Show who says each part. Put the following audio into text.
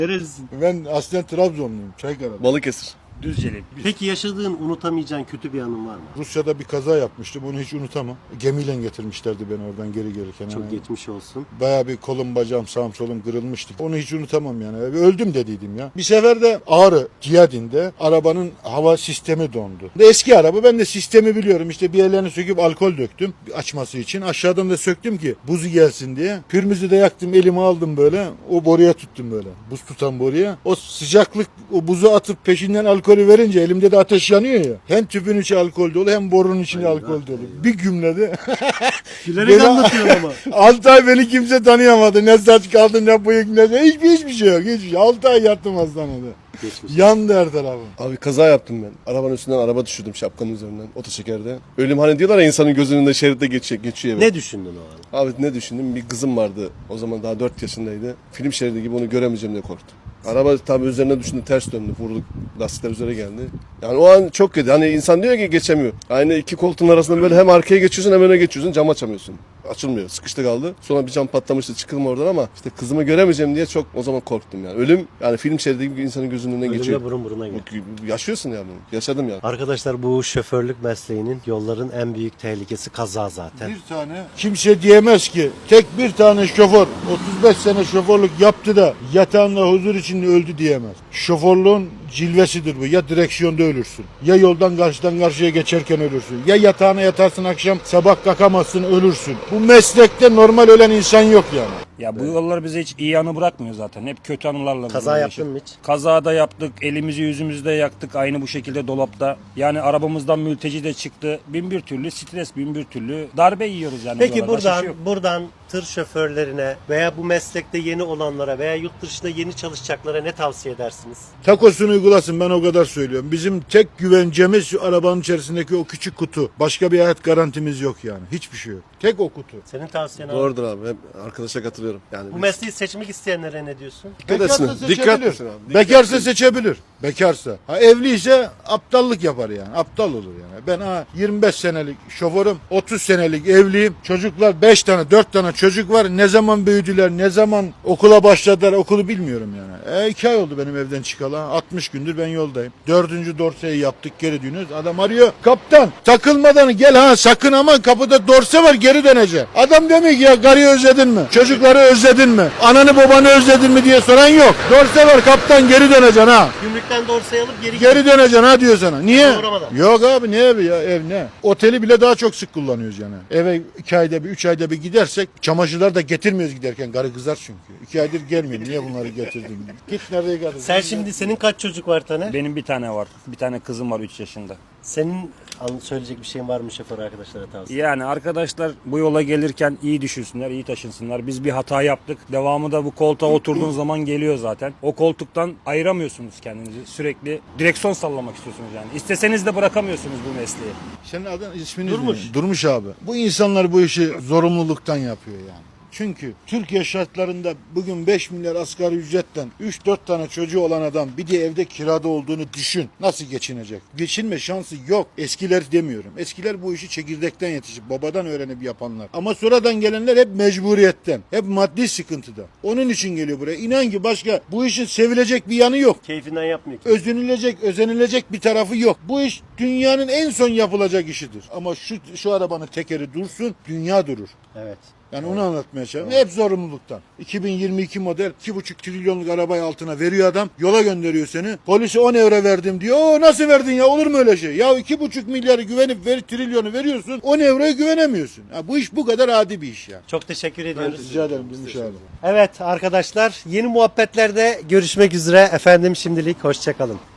Speaker 1: Nerelisin?
Speaker 2: Ben aslen Trabzonluyum. Çaykara'da.
Speaker 3: Balıkesir.
Speaker 1: Düzceli. Peki yaşadığın, unutamayacağın kötü bir anın var mı?
Speaker 2: Rusya'da bir kaza yapmıştım. Onu hiç unutamam. Gemiyle getirmişlerdi beni oradan geri gelirken.
Speaker 1: Çok
Speaker 2: Yani
Speaker 1: geçmiş olsun.
Speaker 2: bayağı bir kolum bacağım sağım solum kırılmıştı. Onu hiç unutamam yani. Öldüm dediydim ya. Bir sefer de Ağrı Ciyadin'de arabanın hava sistemi dondu. Eski araba, ben de sistemi biliyorum. İşte bir yerlerini söküp alkol döktüm açması için. Aşağıdan da söktüm ki buzu gelsin diye. Pürmüzü de yaktım, elime aldım böyle. O boruya tuttum böyle. Buz tutan boruya. O sıcaklık, o buzu atıp peşinden alkolü verince elimde de ateş yanıyor ya. Hem tüpün içi alkol dolu hem borunun içinde alkol dolu. Bir gümlede.
Speaker 1: Gülerek anlatıyorsun ama.
Speaker 2: 6 ay beni kimse tanıyamadı. Ne saç kaldı ne bıyık ne hiçbir şey yok. Hiçbir şey. 6 ay yattım hastanede.
Speaker 1: Geçmiş.
Speaker 2: Yandı her tarafım.
Speaker 3: Abi kaza yaptım ben. Arabanın üstünden araba düşürdüm şapkanın üzerinden. Otoşekerde. Ölüm hani diyorlar ya, insanın gözünün önünde şeritte geçiyor.
Speaker 1: Ne düşündün o an?
Speaker 3: Abi ne düşündüm? Bir kızım vardı. O zaman daha 4 yaşındaydı. Film şeridi gibi, onu göremeyeceğim diye korktum. Araba tabii üzerine düşündü, ters döndü. Vurduk. Lastikler üzere geldi. Yani o an çok kötü. Hani insan diyor ki geçemiyor. Aynı iki koltuğun arasında böyle hem arkaya geçiyorsun hem öne geçiyorsun. Cam açamıyorsun. Açılmıyor. Sıkıştı kaldı. Sonra bir cam patlamıştı. Çıkılma oradan ama işte kızımı göremeyeceğim diye çok o zaman korktum yani. Ölüm yani film şeridi gibi insanın gözünün önünden geçiyor.
Speaker 1: Ölümle burun buruna gel.
Speaker 3: Yaşıyorsun yani. Yaşadım yani.
Speaker 1: Arkadaşlar, bu şoförlük mesleğinin, yolların en büyük tehlikesi kaza zaten.
Speaker 2: Bir tane kimse diyemez ki tek bir tane şoför 35 sene şoförlük yaptı da yatağında huzur içinde öldü diyemez. Şoförlüğün cilvesidir bu. Ya direksiyonda ölürsün. Ya yoldan karşıdan karşıya geçerken ölürsün. Ya yatağına yatarsın akşam sabah kalkamazsın ölürsün. Bu meslekte normal ölen insan yok yani.
Speaker 4: Ya bu yollar bize hiç iyi anı bırakmıyor zaten. Hep kötü anılarla.
Speaker 1: Kaza yaptın mı hiç?
Speaker 4: Kaza da yaptık, elimizi yüzümüzü de yaktık aynı bu şekilde dolapta. Yani arabamızdan mülteci de çıktı. Bin bir türlü stres, bin bir türlü darbe yiyoruz yani.
Speaker 1: Peki
Speaker 4: buralarda. Başka şey yok.
Speaker 1: buradan tır şoförlerine veya bu meslekte yeni olanlara veya yurt dışında yeni çalışacaklara ne tavsiye edersiniz?
Speaker 2: Takosunu uygulasın, ben o kadar söylüyorum. Bizim tek güvencemiz şu arabanın içerisindeki o küçük kutu. Başka bir hayat garantimiz yok yani. Hiçbir şey yok. Tek o kutu.
Speaker 1: Senin tavsiyen abi.
Speaker 3: Doğrudur abi. Hep arkadaşa katılıyorum. Yani
Speaker 1: Bu mesleği seçmek isteyenlere ne diyorsun?
Speaker 3: dikkat etsin.
Speaker 2: Bekarsa
Speaker 3: Dikkat
Speaker 2: seçebilir.
Speaker 3: etsin abi.
Speaker 2: Bekarsa seçebilir. Bekarsa. Ha, evliyse aptallık yapar yani. Aptal olur yani. Ben 25 senelik şoförüm, 30 senelik evliyim. Çocuklar 5 tane 4 tane çocuk var. Ne zaman büyüdüler, ne zaman okula başladılar, okulu bilmiyorum yani. 2 ay oldu benim evden çıkalı. 60 gündür ben yoldayım. 4. dorseyi yaptık, geri dönüyoruz. Adam arıyor. Kaptan takılmadan gel ha, sakın ama kapıda dorse var, geri döneceksin. Adam demiyor ki ya karıyı özledin mi? Çocukları özledin mi? Ananı babanı özledin mi diye soran yok. Dorse var kaptan, geri döneceksin ha.
Speaker 1: Gümrükten dorsayı alıp
Speaker 2: Geri döneceksin ha diyor sana. Niye?
Speaker 1: Uğramadan.
Speaker 2: Yok abi, ne evi ya, ev ne? Oteli bile daha çok sık kullanıyoruz yani. Eve 2 ayda bir 3 ayda bir gidersek çamaşırlar da getirmiyoruz giderken. Karı kızar çünkü. 2 aydır gelmiyor. Niye bunları getirdin? Git nereye geldin?
Speaker 1: Senin kaç çocuk var Taner?
Speaker 4: Benim bir tane var. Bir tane kızım var 3 yaşında.
Speaker 1: Senin söyleyecek bir şeyin var mı şoför arkadaşlara tavsiye?
Speaker 4: Yani arkadaşlar bu yola gelirken iyi düşünsünler, iyi taşınsınlar. Biz bir hata yaptık. Devamı da bu koltuğa oturduğun zaman geliyor zaten. O koltuktan ayıramıyorsunuz kendinizi. Sürekli direksiyon sallamak istiyorsunuz yani. İsteseniz de bırakamıyorsunuz bu mesleği.
Speaker 2: Senin adın ismini
Speaker 1: Durmuş.
Speaker 2: ne? Durmuş abi. Bu insanlar bu işi zorunluluktan yapıyor yani. Çünkü Türkiye şartlarında bugün 5 milyar asgari ücretten 3-4 tane çocuğu olan adam bir de evde kirada olduğunu düşün. Nasıl geçinecek? Geçinme şansı yok. Eskiler demiyorum. Eskiler bu işi çekirdekten yetişip babadan öğrenip yapanlar. Ama sonradan gelenler hep mecburiyetten. Hep maddi sıkıntıda. Onun için geliyor buraya. İnan ki başka bu işin sevilecek bir yanı yok.
Speaker 1: Keyfinden yapmıyor ki.
Speaker 2: Özenilecek bir tarafı yok. Bu iş dünyanın en son yapılacak işidir. Ama şu arabanın tekeri dursun, dünya durur.
Speaker 1: Evet.
Speaker 2: Yani onu anlatmaya çalışıyorum. Hep zorunluluktan. 2022 model 2,5 trilyonluk arabayı altına veriyor adam. Yola gönderiyor seni. Polise 10 euro verdim diyor. Oo, nasıl verdin ya, olur mu öyle şey? Ya 2,5 milyarı güvenip trilyonu veriyorsun. 10 euroya güvenemiyorsun. Ya bu iş bu kadar adi bir iş ya.
Speaker 1: Çok teşekkür ediyoruz.
Speaker 2: Rica ederim Gümüş abi.
Speaker 1: Evet arkadaşlar, yeni muhabbetlerde görüşmek üzere. Efendim şimdilik hoşça kalın.